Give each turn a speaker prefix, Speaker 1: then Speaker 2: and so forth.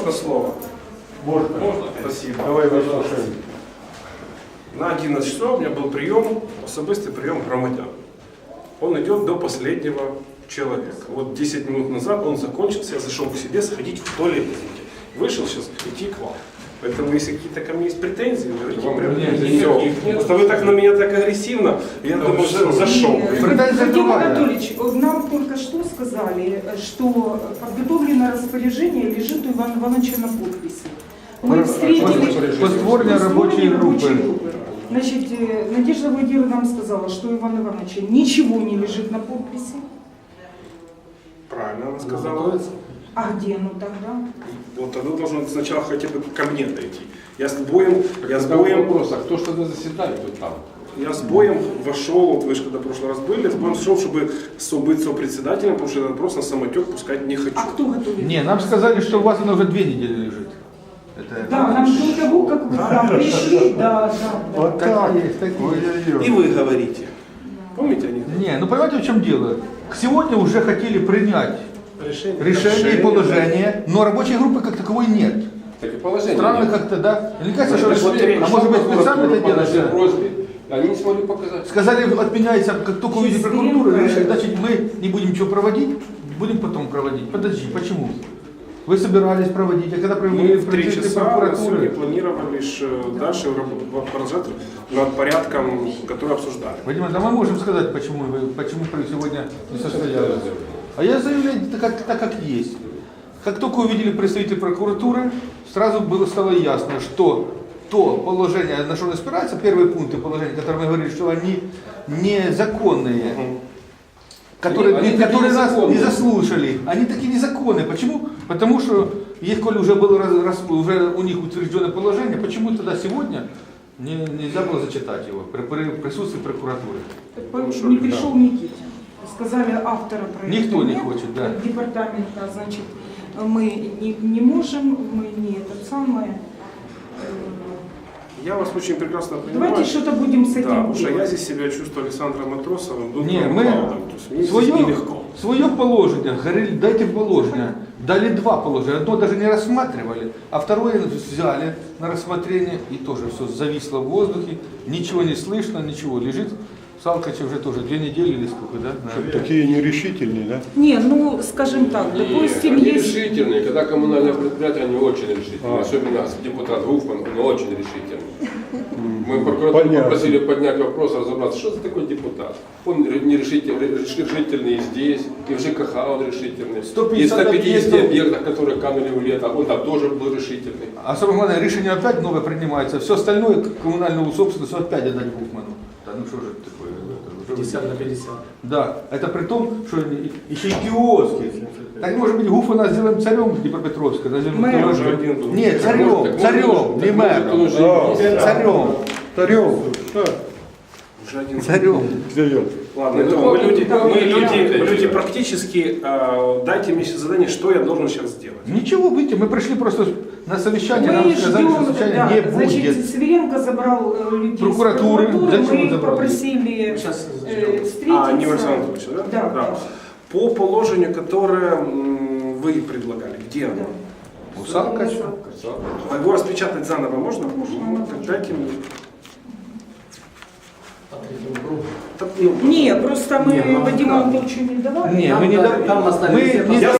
Speaker 1: можно слово?
Speaker 2: Можно.
Speaker 1: Спасибо.
Speaker 2: Давай выслушаем.
Speaker 1: На 11 часов у меня был прием, особистый прием громадян. Он идет до последнего человека. Вот 10 минут назад он закончился, я зашел к себе сходить в туалет, извините. Вышел сейчас идти к вам. Поэтому, если какие-то ко мне есть претензии, говорите прямо. Просто вы так на меня так агрессивно, я думаю, уже зашел.
Speaker 3: Вадим Анатольевич, нам только что сказали, что подготовленное распоряжение лежит у Ивана Ивановича на подписи. Мы встретились...
Speaker 2: Постворные рабочие группы.
Speaker 3: Значит, Надежда Владимировна нам сказала, что у Ивана Ивановича ничего не лежит на подписи.
Speaker 1: Правильно она сказала.
Speaker 3: А где оно тогда?
Speaker 1: Вот оно должно сначала хотя бы ко мне дойти. Я с боем
Speaker 4: вопрос, а кто что-то заседает вот там?
Speaker 1: Я с боем вошел, вот вы же когда в прошлый раз были, с боем шел, чтобы быть сопредседателем, потому что этот вопрос на самотек пускать не хочу.
Speaker 3: А кто готовит?
Speaker 2: Не, нам сказали, что у вас оно уже 2 недели лежит. Это...
Speaker 3: Да, нам до того, как вы к нам пришли, да.
Speaker 2: Вот так есть, такие.
Speaker 1: И вы говорите. Помните они?
Speaker 2: Не, ну понимаете, в чем дело? Сегодня уже хотели принять решение и положение, но рабочей группы как таковой нет.
Speaker 4: Так и положение.
Speaker 2: Странно
Speaker 4: нет.
Speaker 2: как-то, да? Мне кажется,
Speaker 4: Мы
Speaker 2: что...
Speaker 4: пришли,
Speaker 2: А может быть специально это
Speaker 4: по нашей
Speaker 2: делается?
Speaker 4: просьбе, они не смогли показать.
Speaker 2: Сказали, отменяется, как только увидит прокуратура, решили, значит, мы не будем ничего проводить, будем потом проводить. Подожди, почему? Вы собирались проводить, а когда
Speaker 1: Мы
Speaker 2: провели
Speaker 1: в 3 часа на сегодня
Speaker 2: прокуратуры?
Speaker 1: планировали дальше продолжать над порядком, который обсуждали.
Speaker 2: Вадим, да мы можем сказать, почему вы сегодня не состоялись. А я заявляю так, как есть. Как только увидели представителей прокуратуры, сразу стало ясно, что то положение, на что он опирается, первые пункты положения, которые мы говорили, что они незаконные, которые нас не заслушали, они такие незаконные. Почему? Потому что, если уже было уже у них утвержденное положение, почему тогда сегодня нельзя было зачитать его при присутствии прокуратуры?
Speaker 3: Не пришел Никитин. Сказали автора проекта.
Speaker 2: Никто не
Speaker 3: нет,
Speaker 2: хочет, да.
Speaker 3: Департамента, значит, мы не можем, мы не это самое.
Speaker 1: Я вас очень прекрасно понимаю.
Speaker 3: Давайте что-то будем с этим
Speaker 1: Да, потому что
Speaker 3: делать.
Speaker 1: я здесь себя чувствую Александром Матросовым,
Speaker 2: Не,
Speaker 1: Дмитром
Speaker 2: мы
Speaker 1: Клаудом. То есть мне здесь нелегко.
Speaker 2: свое положение, говорили, дайте положение. Дали 2 положения. Одно даже не рассматривали, а второе взяли на рассмотрение, и тоже все зависло в воздухе, ничего не слышно, ничего. Лежит Салкач уже тоже 2 недели или сколько, да?
Speaker 5: Такие нерешительные, да?
Speaker 3: Не, ну, скажем так, допустим,
Speaker 4: Они
Speaker 3: есть...
Speaker 4: решительные, когда коммунальное предприятие, они очень решительные. Особенно депутат Гуфман, он очень решительный. Мы прокуратуру попросили поднять вопрос, разобраться, что за такой депутат. Он решительный и здесь, и в ЖКХ он решительный.
Speaker 2: 150
Speaker 4: И в 150
Speaker 2: объектов.
Speaker 4: объектах, которые канули в лето, он там тоже был решительный.
Speaker 2: А самое главное, решение опять новое принимается. Все остальное коммунальную собственность опять отдать Гуфману. Да ну что же это такое?
Speaker 6: 50 на 50.
Speaker 2: Да, это при том, что еще и киоски. Так может быть Гуфмана сделаем царем Днепропетровска.
Speaker 3: Мэром.
Speaker 1: Уже один думаю.
Speaker 2: Нет, царем, не мэром. Царем.
Speaker 5: Тарел, да,
Speaker 1: Уже один.
Speaker 2: Царем.
Speaker 5: Царем.
Speaker 1: Ладно, это мы люди практически, дайте мне задание, что я должен сейчас сделать.
Speaker 2: Ничего, видите, мы пришли просто на совещание, нам
Speaker 3: Мы
Speaker 2: сказали, что
Speaker 3: ждем,
Speaker 2: совещание
Speaker 3: да,
Speaker 2: не
Speaker 3: значит,
Speaker 2: будет.
Speaker 3: Сверенко забрал людей
Speaker 2: Прокуратуры.
Speaker 3: с прокуратуры,
Speaker 2: Зачем
Speaker 3: мы
Speaker 2: он
Speaker 3: их
Speaker 2: забрал?
Speaker 3: попросили
Speaker 6: Сейчас ждем.
Speaker 3: встретиться.
Speaker 1: Не Александр Анатольевич, да?
Speaker 3: Да.
Speaker 1: По положению, которое вы предлагали, где оно?
Speaker 2: У Салкача.
Speaker 1: А его распечатать заново можно? Можно. Так дайте мне.
Speaker 6: По третьему кругу.
Speaker 1: Так, ну,
Speaker 3: Не, просто мы
Speaker 6: Не, ну,
Speaker 3: Вадиму
Speaker 6: как?
Speaker 3: Анатольевичу не давали.
Speaker 2: Не, мы не
Speaker 6: Там остались все
Speaker 2: мы не